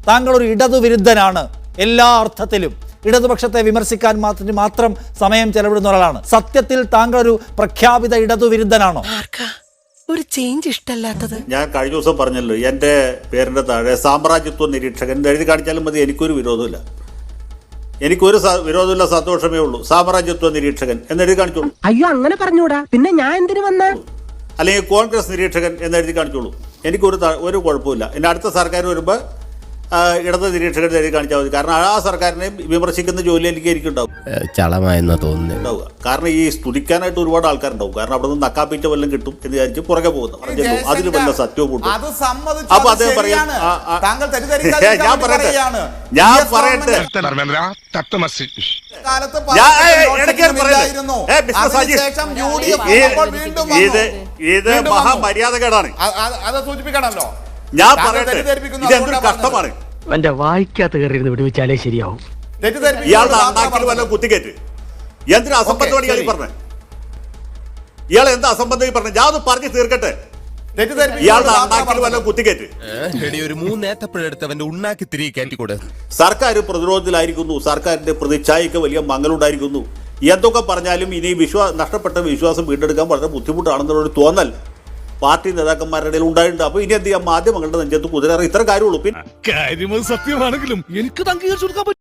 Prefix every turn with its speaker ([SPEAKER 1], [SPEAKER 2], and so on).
[SPEAKER 1] താങ്കൾ ഒരു ഇടതുവിരുദ്ധനാണ്, എല്ലാ അർത്ഥത്തിലും ഇടതുപക്ഷത്തെ വിമർശിക്കാൻ മാത്രം സമയം ചെലവിടുന്ന ഒരാളാണ്. സത്യത്തിൽ താങ്കൾ ഒരു പ്രഖ്യാപിത ഇടതുവിരുദ്ധനാണോ?
[SPEAKER 2] ഒരു ചേഞ്ച് ഇഷ്ടല്ലാത്തത്.
[SPEAKER 3] ഞാൻ കഴിഞ്ഞ ദിവസം പറഞ്ഞല്ലോ, എൻ്റെ പേരിൻ്റെ താഴെ സാമ്രാജ്യത്വ നിരീക്ഷകൻ എഴുതി കാണിച്ചാലും മതി, എനിക്കൊരു വിരോധമില്ല. എനിക്കൊരു വിരോധമില്ല, സന്തോഷമേ ഉള്ളൂ. സാമ്രാജ്യത്വ നിരീക്ഷകൻ എന്നെഴുതി കാണിച്ചോളൂ.
[SPEAKER 2] അയ്യോ അങ്ങനെ പറഞ്ഞൂടാ, പിന്നെ ഞാൻ എന്തിനു വന്ന?
[SPEAKER 3] അല്ലെങ്കിൽ കോൺഗ്രസ് നിരീക്ഷകൻ എന്നെഴുതി കാണിച്ചോളൂ. എനിക്കൊരു കുഴപ്പമില്ല. ഇനി അടുത്ത സർക്കാർ വരുമ്പോൾ ഇടത് നിരീക്ഷകൻ എഴുതി കാണിച്ചാൽ മതി. കാരണം ആ സർക്കാരിനെ വിമർശിക്കുന്ന ജോലി എനിക്കുണ്ടാവും.
[SPEAKER 4] ചളമായെന്നാ തോന്നുന്നു.
[SPEAKER 3] കാരണം ഈ സ്തുതിക്കാനായിട്ട് ഒരുപാട് ആൾക്കാരുണ്ടാവും. കാരണം അവിടെ നിന്ന് നക്കാപ്പിച്ച വല്ലതും കിട്ടും എന്ന് വിചാരിച്ച് പുറകെ പോകുന്നു. അതിൽ വല്ല സത്യവും കൂട്ടും. അപ്പൊ അദ്ദേഹം പറയും, ഞാൻ പറയട്ടെ ഇത് മഹാമര്യാദകേടാണ്.
[SPEAKER 5] സൂചിപ്പിക്കണല്ലോ.
[SPEAKER 3] ഞാൻ പറയട്ടെ, ഇതെന്തൊരു കഷ്ടമാണ്.
[SPEAKER 6] എന്റെ വായിക്കാത്ത കയറിയിരുന്ന് വിടുവിച്ചാലേ ശരിയാവും.
[SPEAKER 3] ഇയാളുടെ അണ്ണാക്കിൽ വല്ല കുത്തിക്കേറ്റ് എന്തിനാ അസംബന്ധമാണ് ഇയാൾ പറഞ്ഞത്? ഇയാൾ എന്താ അസംബന്ധം പറഞ്ഞത്? ഞാൻ ഒന്ന് പറഞ്ഞു തീർക്കട്ടെ. ഇയാളുടെ അണ്ണാക്കിൽ വല്ല കുത്തിക്കേറ്റ്.
[SPEAKER 4] ഒരു 3 ഏത്തപ്പഴെടുത്തവന്റെ ഉണ്ണാക്കി തിരികെ കയറ്റിക്കൂടെ.
[SPEAKER 3] സർക്കാർ പ്രതിരോധത്തിലായിരിക്കുന്നു. സർക്കാരിന്റെ പ്രതിച്ഛായക്ക് വലിയ മങ്ങളുണ്ടായിരിക്കുന്നു. എന്തൊക്കെ പറഞ്ഞാലും ഇനി നഷ്ടപ്പെട്ട വിശ്വാസം വീണ്ടെടുക്കാൻ വളരെ ബുദ്ധിമുട്ടാണെന്നുള്ളൊരു തോന്നൽ പാർട്ടി നേതാക്കന്മാരുടെ ഇടയിൽ ഉണ്ടായിട്ടുണ്ട്. അപ്പൊ ഇനി എന്ത് ചെയ്യാം? മാധ്യമങ്ങളുടെ നെഞ്ചത്ത് കുതിരേറെ ഇത്ര കാര്യമുള്ളൂ. പിന്നെ
[SPEAKER 7] സത്യമാണെങ്കിലും എനിക്ക്